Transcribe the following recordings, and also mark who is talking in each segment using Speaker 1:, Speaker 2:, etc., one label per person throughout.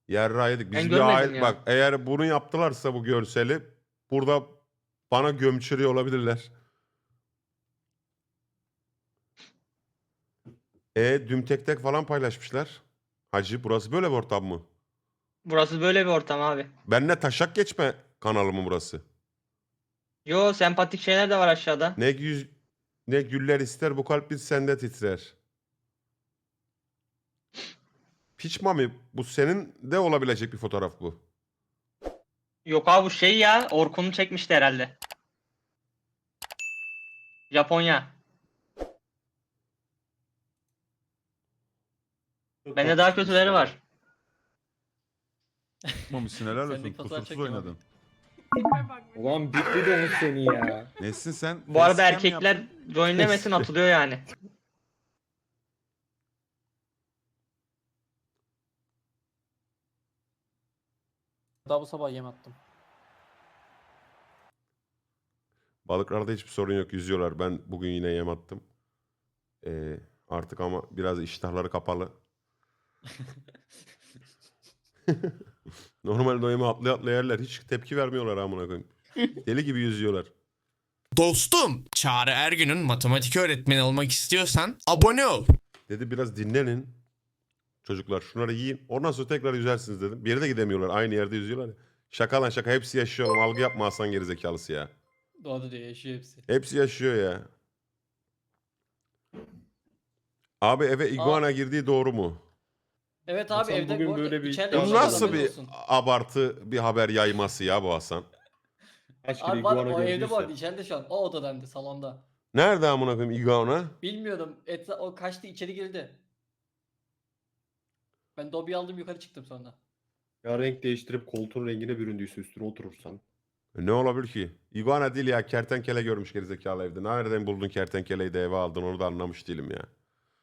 Speaker 1: Yerra yedik.
Speaker 2: Ben
Speaker 1: Biz bir
Speaker 2: görmedim
Speaker 1: aile
Speaker 2: ya.
Speaker 1: bak, eğer bunu yaptılarsa bu görseli burada bana gömçürüyor olabilirler. Düm tek tek falan paylaşmışlar. Hacı burası böyle bir ortam mı?
Speaker 2: Burası böyle bir ortam abi.
Speaker 1: Benle taşak geçme kanalı mı burası?
Speaker 2: Yo, sempatik şeyler de var aşağıda.
Speaker 1: Ne yüz ne güller ister bu kalp bir sende titrer. Piç mami, bu senin de olabilecek bir fotoğraf bu.
Speaker 2: Yok abi, bu şey ya. Orkun'u çekmişti herhalde. Japonya. Bende daha kötüleri var.
Speaker 3: Çıkmamışsın helal olsun.
Speaker 4: Sendeki fotoğraf
Speaker 3: Kusursuz
Speaker 4: çektim
Speaker 3: oynadın.
Speaker 5: Ulan bitti de seni ya.
Speaker 3: Nesin sen?
Speaker 2: Bu arada
Speaker 3: Facecam mi
Speaker 2: erkekler
Speaker 3: yaptın?
Speaker 2: joinlemesin, atılıyor yani.
Speaker 4: Daha bu sabah yem attım.
Speaker 1: Balıklarda hiçbir sorun yok, yüzüyorlar. Ben bugün yine yem attım. Artık ama biraz iştahları kapalı. Normalde o yemi atlaya atlaya yerler. Hiç tepki vermiyorlar amına koyayım. Deli gibi yüzüyorlar.
Speaker 6: Dostum, Çağrı Ergün'ün matematik öğretmeni olmak istiyorsan abone ol.
Speaker 1: Dedi biraz dinlenin. Çocuklar şunları yiyin. Ondan sonra tekrar yüzersiniz dedim. Bir yere de gidemiyorlar. Aynı yerde yüzüyorlar ya. Şaka lan şaka. Hepsi yaşıyor oğlum. Algı yapma Hasan gerizekalısı ya.
Speaker 4: Doğada diyor, yaşıyor hepsi.
Speaker 1: Hepsi yaşıyor ya. Abi eve iguana girdiği doğru mu?
Speaker 4: Evet abi,
Speaker 5: Hasan
Speaker 4: evde
Speaker 5: bugün
Speaker 4: bu arada
Speaker 5: böyle bir
Speaker 4: içeride
Speaker 5: iddia
Speaker 1: Bu
Speaker 4: bir şey var,
Speaker 1: nasıl
Speaker 4: haberin
Speaker 1: bir
Speaker 4: olsun.
Speaker 1: abartı bir haber yayması ya bu Hasan?
Speaker 5: Kaç kere
Speaker 4: Abi var,
Speaker 5: iguana
Speaker 4: o evde bu arada,
Speaker 5: gördüyse.
Speaker 4: içeride şu an. O odadandı, salonda.
Speaker 1: Nerede amına koyayım iguana?
Speaker 4: Bilmiyorum, o kaçtı, içeri girdi. Ben Dobby'yi aldım, yukarı çıktım sonra.
Speaker 5: Ya renk değiştirip koltuğun rengine büründüyse üstüne oturursan.
Speaker 1: Ne olabilir ki? İguana değil ya, kertenkele görmüş gerizekalı evde. Nereden buldun kertenkeleyi de eve aldın, onu da anlamış değilim ya.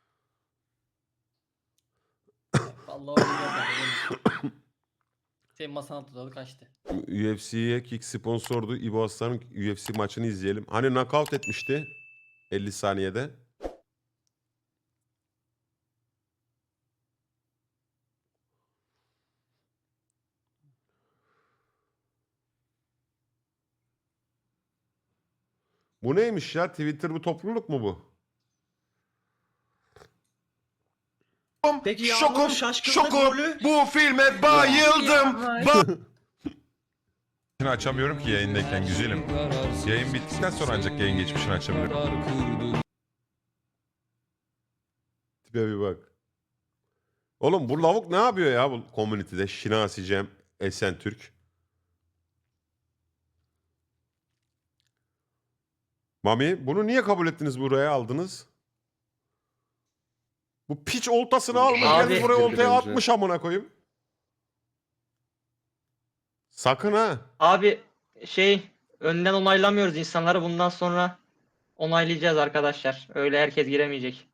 Speaker 4: Vallahi öyle geldi. Senin masan altında kaçtı.
Speaker 1: UFC'ye kick sponsordu. İbo Aslan'ın UFC maçını izleyelim. Hani knockout etmişti 50 saniyede. Bu neymiş ya? Twitter bu topluluk mu bu?
Speaker 7: Peki
Speaker 1: Şokum,
Speaker 7: Yağmur'un şaşkınlık
Speaker 1: şokum.
Speaker 7: rolü?
Speaker 1: Bu filme bayıldım.
Speaker 3: Açamıyorum ki yayındayken güzelim. Yayın bittikten sonra ancak yayın geçmişini açabiliyorum.
Speaker 1: Tipe bir bak. Oğlum bu lavuk ne yapıyor ya bu community'de? Şinasi Cem, Esen Türk. Mami bunu niye kabul ettiniz, buraya aldınız? Bu piç oltasını almış
Speaker 2: Abi-
Speaker 1: gelmiş buraya oltaya
Speaker 5: Bence.
Speaker 1: atmış amına koyayım. Sakın ha.
Speaker 2: Abi şey, önden onaylamıyoruz insanları, bundan sonra onaylayacağız arkadaşlar. Öyle herkes giremeyecek.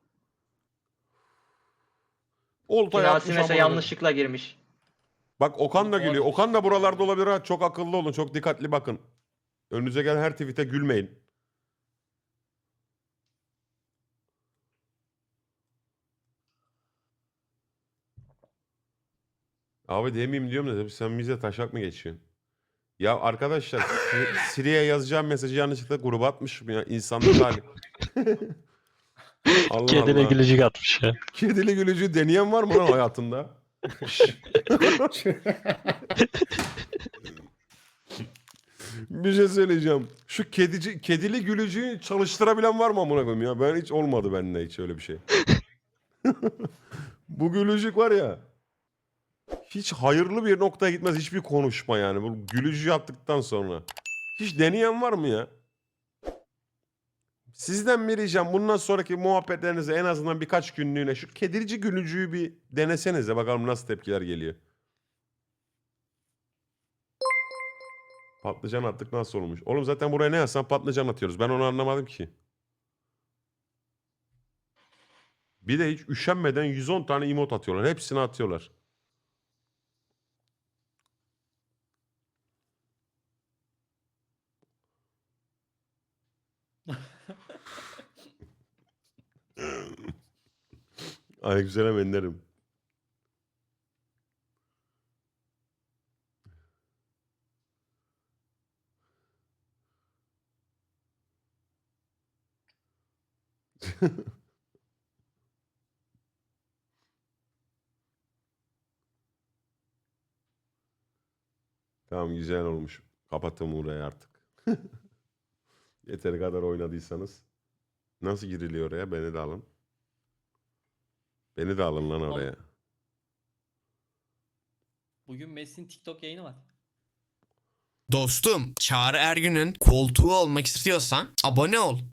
Speaker 1: Oltaya
Speaker 2: Şinasi
Speaker 1: atmış
Speaker 2: mesela
Speaker 1: amına koyayım.
Speaker 2: yanlışlıkla girmiş.
Speaker 1: Bak Okan da
Speaker 4: Oha,
Speaker 1: gülüyor.
Speaker 4: demiş.
Speaker 1: Okan da buralarda olabilir ha. Çok akıllı olun. Çok dikkatli bakın. Önünüze gelen her tweet'e gülmeyin. Abi demeyeyim diyorum da sen bize taşak mı geçiyorsun? Ya arkadaşlar Siri'ye yazacağım mesajı yanlışlıkla gruba atmışım ya. İnsanlık hali. Allah
Speaker 8: Kedine
Speaker 1: Allah.
Speaker 8: gülücük atmış ya.
Speaker 1: Kedili gülücüğü deneyen var mı lan hayatında? Şşş. Bir şey söyleyeceğim. Şu kedili gülücüğü çalıştırabilen var mı amına koyayım ya? Ben hiç olmadı bende hiç öyle bir şey. Bu gülücük var ya. Hiç hayırlı bir noktaya gitmez hiçbir konuşma yani. Bu gülücüğü yaptıktan sonra. Hiç deneyen var mı ya? Sizden bir ricam, bundan sonraki muhabbetlerinize en azından birkaç günlüğüne şu kedirici gülücüğü bir denesenize, bakalım nasıl tepkiler geliyor. Patlıcan attık nasıl olmuş? Oğlum zaten buraya ne yazsan patlıcan atıyoruz. Ben onu anlamadım ki. Bir de hiç üşenmeden 110 tane emot atıyorlar. Hepsini atıyorlar. Ay güzel emenlerim. Tamam güzel olmuş. Kapatın burayı artık. Yeteri kadar oynadıysanız. Nasıl giriliyor oraya? Beni de alın. Beni de alın lan oraya.
Speaker 4: Bugün Messi'nin TikTok yayını var.
Speaker 6: Dostum, Çağrı Ergün'ün koltuğu olmak istiyorsan abone ol.